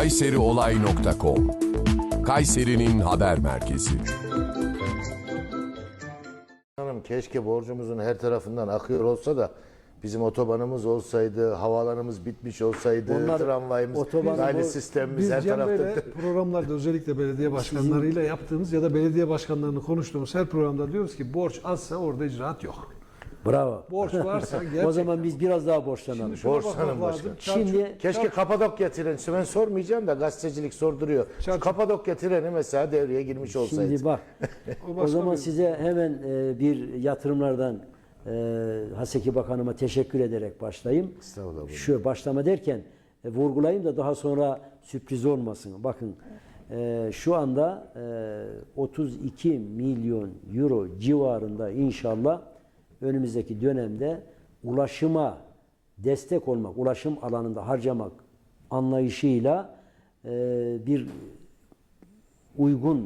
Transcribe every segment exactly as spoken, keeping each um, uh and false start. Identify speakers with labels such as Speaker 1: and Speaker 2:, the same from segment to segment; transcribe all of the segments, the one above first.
Speaker 1: kayseriolay nokta com Kayseri'nin haber merkezi.
Speaker 2: Hanım, keşke borcumuzun her tarafından akıyor olsa da bizim otobanımız olsaydı, havaalanımız bitmiş olsaydı,
Speaker 3: Onlar,
Speaker 2: tramvayımız, raylı sistemimiz
Speaker 4: Biz
Speaker 2: her
Speaker 4: Cem
Speaker 2: tarafta.
Speaker 4: Bey'le programlarda özellikle belediye başkanlarıyla yaptığımız ya da belediye başkanlarını konuştuğumuz her programda diyoruz ki borç azsa orada icraat yok.
Speaker 3: Bravo.
Speaker 4: Borç varsa gerçekten.
Speaker 3: O zaman biz biraz daha borçlanalım.
Speaker 4: Şimdi şuna
Speaker 2: Borçlanın
Speaker 4: bakmak lazım.
Speaker 2: başkan.
Speaker 4: Çarçur-
Speaker 3: Şimdi
Speaker 2: Keşke Kapadokya treni, ben sormayacağım da gazetecilik sorduruyor.
Speaker 4: Çarçur-
Speaker 2: Kapadokya treni mesela devreye girmiş olsaydı.
Speaker 3: Şimdi bak.
Speaker 4: O
Speaker 3: o
Speaker 4: başka
Speaker 3: zaman
Speaker 4: bir-
Speaker 3: size hemen e, bir yatırımlardan e, Haseki Bakanıma teşekkür ederek başlayayım.
Speaker 2: Estağfurullah.
Speaker 3: Şu başlama derken e, vurgulayayım da daha sonra sürpriz olmasın. Bakın e, şu anda e, otuz iki milyon euro civarında inşallah önümüzdeki dönemde ulaşıma destek olmak, ulaşım alanında harcamak anlayışıyla e, bir uygun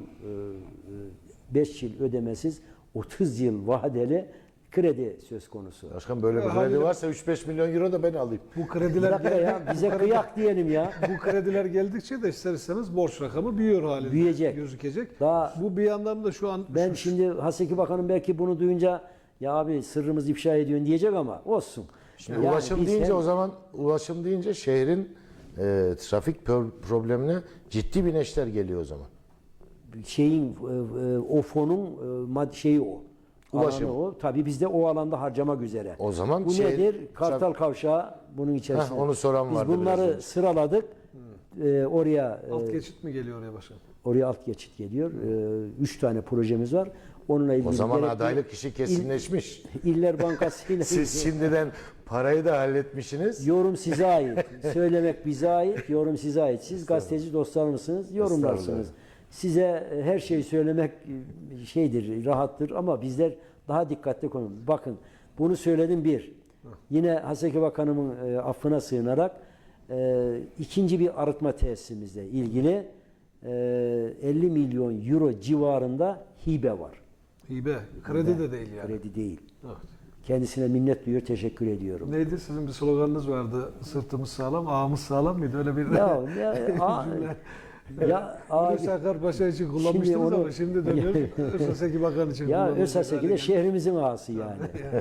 Speaker 3: beş yıl ödemesiz otuz yıl vadeli kredi söz konusu.
Speaker 2: Başkan böyle bir
Speaker 4: Ya,
Speaker 2: kredi
Speaker 4: haliyle-
Speaker 2: varsa üç beş milyon euro da ben alayım.
Speaker 4: Bu
Speaker 3: Bir
Speaker 4: krediler
Speaker 3: dakika ya, bize kıyak diyelim ya.
Speaker 4: bu krediler geldikçe de ister istemez borç rakamı büyüyor halinde
Speaker 3: Büyüyecek.
Speaker 4: gözükecek.
Speaker 3: Daha-
Speaker 4: bu bir yandan da şu an
Speaker 3: Ben
Speaker 4: şu-
Speaker 3: şimdi Haseki Bakanım belki bunu duyunca ya abi sırrımızı ifşa ediyorsun diyecek ama olsun.
Speaker 2: Şimdi
Speaker 3: Yani
Speaker 2: ulaşım
Speaker 3: biz
Speaker 2: deyince
Speaker 3: hem-
Speaker 2: o zaman ulaşım deyince şehrin e, trafik pro- problemine ciddi bir neşter geliyor o zaman.
Speaker 3: şeyin e, e, o fonun e, mad şeyi o.
Speaker 2: Ulaşım.
Speaker 3: Alanı o. Tabii biz de o alanda harcamak üzere.
Speaker 2: O zaman
Speaker 3: bu
Speaker 2: şey-
Speaker 3: nedir? Kartal Kavşağı bunun içerisinde.
Speaker 2: Heh, onu soran
Speaker 3: biz
Speaker 2: vardı
Speaker 3: bunları
Speaker 2: biraz önce.
Speaker 3: sıraladık. E, oraya e,
Speaker 4: alt geçit mi geliyor oraya başkan?
Speaker 3: oraya alt geçit geliyor. E, üç tane projemiz var. Onunla ilgili
Speaker 2: O zaman
Speaker 3: gerekli
Speaker 2: adaylık işi kesinleşmiş.
Speaker 3: İl- İller Bankası ile
Speaker 2: Siz şimdiden parayı da halletmişsiniz.
Speaker 3: yorum size ait. Söylemek bize ait. Yorum size ait. Siz gazeteci dostlar mısınız? Yorumlarsınız. Size e, her şeyi söylemek e, şeydir, rahattır ama bizler daha dikkatli konuşalım. Bakın bunu söyledim bir. Yine Haseki Bakanımın e, affına sığınarak e, ikinci bir arıtma tesisimizle ilgili e, elli milyon euro civarında hibe var.
Speaker 4: Hibe. Kredi de değil yani.
Speaker 3: Kredi değil.
Speaker 4: Evet.
Speaker 3: Kendisine minnet duyuyor, teşekkür ediyorum.
Speaker 4: Neydi sizin bir sloganınız vardı? Sırtımız sağlam, ağımız sağlam mıydı? Öyle bir
Speaker 3: Ya, ya, a, ya abi,
Speaker 4: Hulusi Akar Paşa için kullanmıştınız
Speaker 3: Şimdi onu-
Speaker 4: ama şimdi dönüyor Özaseki Bakan için
Speaker 3: ya
Speaker 4: kullanılacak
Speaker 3: Özaseki
Speaker 4: hale
Speaker 3: de
Speaker 4: geldi.
Speaker 3: şehrimizin ağası yani.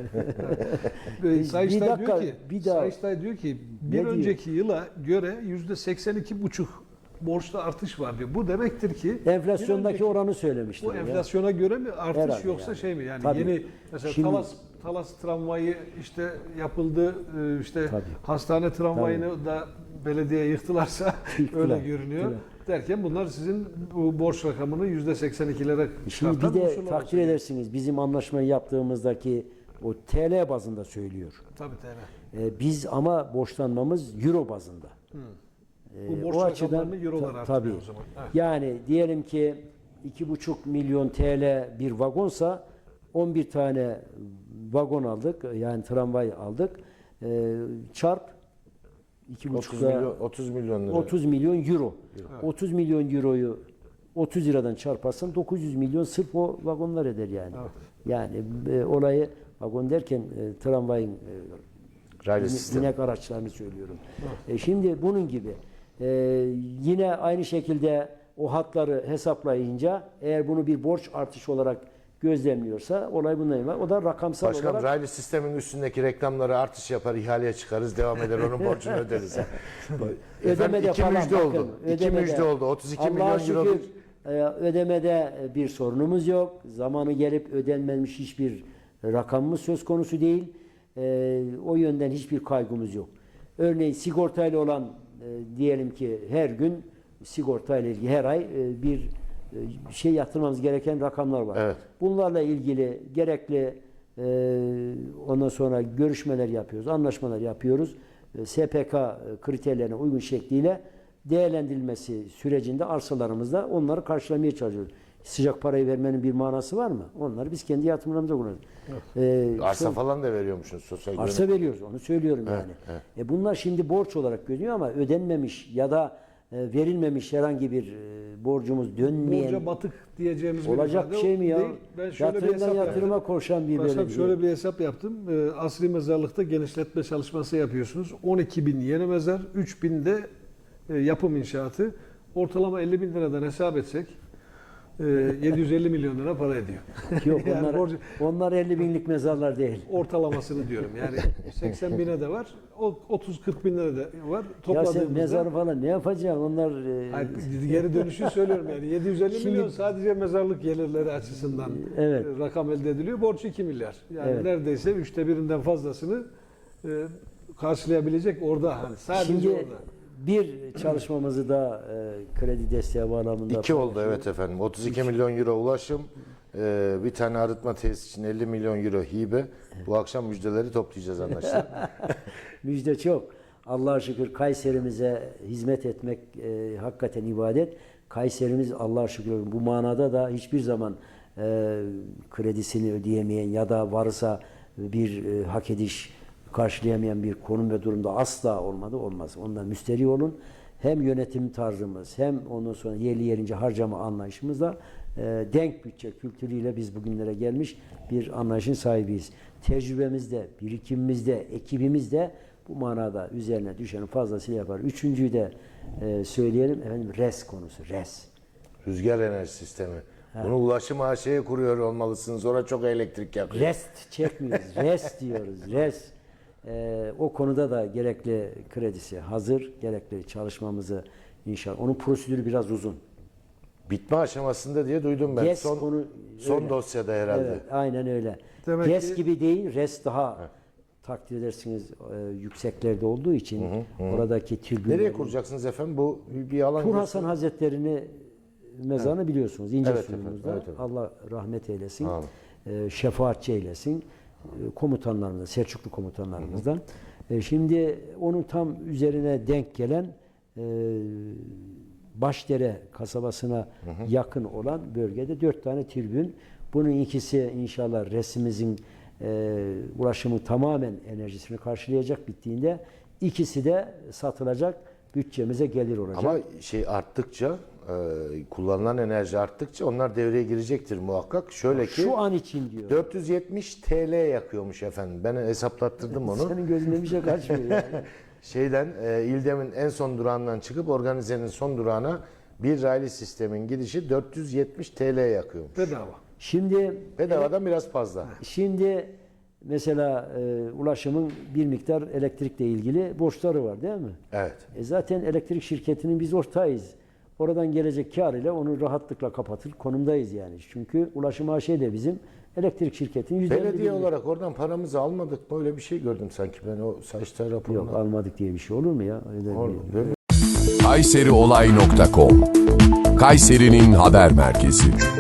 Speaker 4: Ee, Sayıştay
Speaker 3: Bir dakika,
Speaker 4: diyor ki,
Speaker 3: bir daha-
Speaker 4: Sayıştay diyor ki bir
Speaker 3: diyor?
Speaker 4: önceki yıla göre yüzde seksen iki buçuk borçta artış var diyor. Bu demektir ki
Speaker 3: Enflasyondaki
Speaker 4: bir önceki-
Speaker 3: oranı söylemiştim.
Speaker 4: bu enflasyona göre mi artış
Speaker 3: Herhalde
Speaker 4: yoksa
Speaker 3: yani.
Speaker 4: şey mi? Yani
Speaker 3: Tabii.
Speaker 4: yeni mesela
Speaker 3: Şimdi-
Speaker 4: Talas Talas tramvayı işte yapıldı, e, işte
Speaker 3: Tabii.
Speaker 4: hastane tramvayını da belediye yıktılarsa
Speaker 3: Yıktılar,
Speaker 4: öyle görünüyor.
Speaker 3: yıktılar.
Speaker 4: Derken bunlar sizin bu borç rakamını yüzde seksen ikilere
Speaker 3: Şimdi bir de takdir edersiniz bizim anlaşmayı yaptığımızdaki o T L bazında söylüyor.
Speaker 4: Tabii tabii.
Speaker 3: Ee, biz ama borçlanmamız Euro bazında. Ee,
Speaker 4: Bu borç
Speaker 3: o açıdan
Speaker 4: rakamlarını eurolar
Speaker 3: ta-
Speaker 4: artırıyor
Speaker 3: tabii.
Speaker 4: o zaman. Evet.
Speaker 3: Yani diyelim ki iki buçuk milyon T L bir vagonsa on bir tane vagon aldık. Yani tramvay aldık. Ee, çarp iki
Speaker 2: otuz
Speaker 3: buçukla
Speaker 2: milyon, otuz milyon lira.
Speaker 3: otuz milyon euro. otuz milyon euroyu otuz liradan çarparsan dokuz yüz milyon sırf o vagonlar eder yani.
Speaker 4: Evet.
Speaker 3: Yani e, olayı vagon derken e, tramvayın e,
Speaker 2: Raylı
Speaker 3: bin-
Speaker 2: sistem.
Speaker 3: binek araçlarını söylüyorum. E, şimdi bunun gibi e, yine aynı şekilde o hatları hesaplayınca eğer bunu bir borç artışı olarak gözlemliyorsa olay bundan ibaret. O da rakamsal
Speaker 2: Başkan
Speaker 3: olarak
Speaker 2: raylı sistemin üstündeki reklamları artış yapar, ihaleye çıkarız, devam eder, onun borcunu öderiz. Efendim,
Speaker 3: ödemede
Speaker 2: iki
Speaker 3: falan
Speaker 2: müjde
Speaker 3: bakın,
Speaker 2: oldu. İki
Speaker 3: ödemede-
Speaker 2: müjde oldu. otuz iki
Speaker 3: Allah'a
Speaker 2: milyon
Speaker 3: şükür
Speaker 2: euro.
Speaker 3: e, ödemede bir sorunumuz yok. Zamanı gelip ödenmemiş hiçbir rakamımız söz konusu değil. E, o yönden hiçbir kaygımız yok. Örneğin sigortayla olan e, diyelim ki her gün sigortayla ilgili her ay e, bir e, şey yatırmamız gereken rakamlar var.
Speaker 2: Evet.
Speaker 3: Bunlarla ilgili gerekli e, ondan sonra görüşmeler yapıyoruz, anlaşmalar yapıyoruz. E, S P K kriterlerine uygun şekliyle değerlendirilmesi sürecinde arsalarımızda onları karşılamaya çalışıyoruz. Sıcak parayı vermenin bir manası var mı? Onları biz kendi yatırımlarımıza kullanıyoruz. Ee,
Speaker 2: Arsa
Speaker 3: son-
Speaker 2: falan da veriyormuşsunuz sosyal
Speaker 3: arsa
Speaker 2: güvenlik.
Speaker 3: veriyoruz, onu söylüyorum
Speaker 2: Evet,
Speaker 3: yani.
Speaker 2: evet.
Speaker 3: E bunlar şimdi borç olarak görünüyor ama ödenmemiş ya da e, verilmemiş herhangi bir e, borcumuz dönmeyen
Speaker 4: Borca batık diyeceğimiz
Speaker 3: olacak bir şey mi ya?
Speaker 4: değil. Ben şöyle bir
Speaker 3: Yatırımdan
Speaker 4: hesap
Speaker 3: yatırıma
Speaker 4: yaptım.
Speaker 3: koşan bir
Speaker 4: Başkanım
Speaker 3: belediye.
Speaker 4: şöyle bir hesap yaptım. Ee, Asri mezarlıkta genişletme çalışması yapıyorsunuz. on iki bin yeni mezar, üç bin de e, yapım inşaatı ortalama elli bin liradan hesap etsek e, yedi yüz elli milyon lira para ediyor.
Speaker 3: Yok
Speaker 4: Yani
Speaker 3: onlar,
Speaker 4: borcu-
Speaker 3: onlar elli binlik mezarlar değil.
Speaker 4: Ortalamasını diyorum. Yani seksen bine de var, o otuz kırk bin lira da var.
Speaker 3: Ya sen
Speaker 4: Topladığımızda
Speaker 3: mezarı falan ne yapacaksın? Onlar e,
Speaker 4: hayır, geri dönüşü söylüyorum yani yedi yüz elli
Speaker 3: Şimdi-
Speaker 4: milyon sadece mezarlık gelirleri açısından
Speaker 3: Evet.
Speaker 4: e, rakam elde ediliyor. Borç iki milyar. Yani
Speaker 3: Evet.
Speaker 4: neredeyse üçte birinden fazlasını e, karşılayabilecek orada hani sadece
Speaker 3: şimdi
Speaker 4: orada.
Speaker 3: bir çalışmamızı da e, kredi desteği bağlamında
Speaker 2: İki oldu
Speaker 3: paylaşıyoruz.
Speaker 2: evet efendim. otuz iki milyon euro ulaşım, e, bir tane arıtma tesisi için elli milyon euro hibe. Bu akşam müjdeleri toplayacağız anlaşılan.
Speaker 3: Müjde çok. Allah'a şükür Kayserimize hizmet etmek e, hakikaten ibadet. Kayserimiz Allah'a şükür bu manada da hiçbir zaman e, kredisini ödeyemeyen ya da varsa bir e, hak ediş karşılayamayan bir konum ve durumda asla olmadı, olmaz. Ondan müsterih olun. Hem yönetim tarzımız hem ondan sonra yerli yerince harcama anlayışımızla e, denk bütçe kültürüyle biz bugünlere gelmiş bir anlayışın sahibiyiz. Tecrübemizde, birikimimizde, ekibimizde bu manada üzerine düşeni fazlasıyla yapar. Üçüncüyü de e, söyleyelim efendim res konusu, res.
Speaker 2: Rüzgar enerji sistemi. Bunu ulaşım A Ş'ye kuruyor olmalısınız. Orada çok elektrik yakıyor.
Speaker 3: Rest çekmiyoruz, res diyoruz, res. E, o konuda da gerekli kredisi hazır, gerekli çalışmamızı inşallah. Onun prosedürü biraz uzun.
Speaker 2: Bitme aşamasında diye duydum ben.
Speaker 3: GES
Speaker 2: son
Speaker 3: konu
Speaker 2: son
Speaker 3: öyle.
Speaker 2: dosyada herhalde.
Speaker 3: Evet, aynen öyle.
Speaker 4: Demek
Speaker 3: GES
Speaker 4: ki-
Speaker 3: gibi değil, res daha takdir edersiniz e, yükseklerde olduğu için oradaki tribünleri.
Speaker 2: Nereye kuracaksınız efendim? Bu bir alan.
Speaker 3: Tur
Speaker 2: göster-
Speaker 3: Hasan Hazretleri'ni mezarını biliyorsunuz. İnce
Speaker 2: Evet
Speaker 3: suyumuzda.
Speaker 2: efendim, evet efendim.
Speaker 3: Allah rahmet eylesin.
Speaker 2: Amin.
Speaker 3: E, şefaatçi eylesin. E, komutanlarımızdan, Selçuklu komutanlarımızdan. E, şimdi onun tam üzerine denk gelen e, Başdere kasabasına yakın olan bölgede dört tane tribün. Bunun ikisi inşallah resimimizin e, ulaşımı tamamen enerjisini karşılayacak bittiğinde. İkisi de satılacak, bütçemize gelir olacak.
Speaker 2: Ama şey arttıkça, e, kullanılan enerji arttıkça onlar devreye girecektir muhakkak. Şöyle ki
Speaker 3: Şu an için diyor.
Speaker 2: dört yüz yetmiş T L yakıyormuş efendim. Ben hesaplattırdım onu.
Speaker 3: Senin gözünde bir şey kaçmıyor yani.
Speaker 2: Şeyden e, İldem'in en son durağından çıkıp organizenin son durağına bir raylı sistemin gidişi dört yüz yetmiş T L yakıyormuş.
Speaker 4: Bedava.
Speaker 3: Şimdi
Speaker 2: Bedavadan biraz fazla.
Speaker 3: şimdi mesela e, ulaşımın bir miktar elektrikle ilgili borçları var değil mi?
Speaker 2: Evet.
Speaker 3: E zaten elektrik şirketinin biz ortağıyız. Oradan gelecek kar ile onu rahatlıkla kapatır konumdayız yani. Çünkü Ulaşım A Ş de bizim elektrik şirketinin yüzde elli
Speaker 2: Belediye
Speaker 3: birlik-
Speaker 2: olarak oradan paramızı almadık. Böyle bir şey gördüm sanki ben o Sayıştay raporunda.
Speaker 3: Yok almadık diye bir şey olur mu ya? Öyle
Speaker 2: Or-
Speaker 3: bir-
Speaker 2: Böyle
Speaker 1: kayseriolay nokta com Kayseri'nin haber merkezi.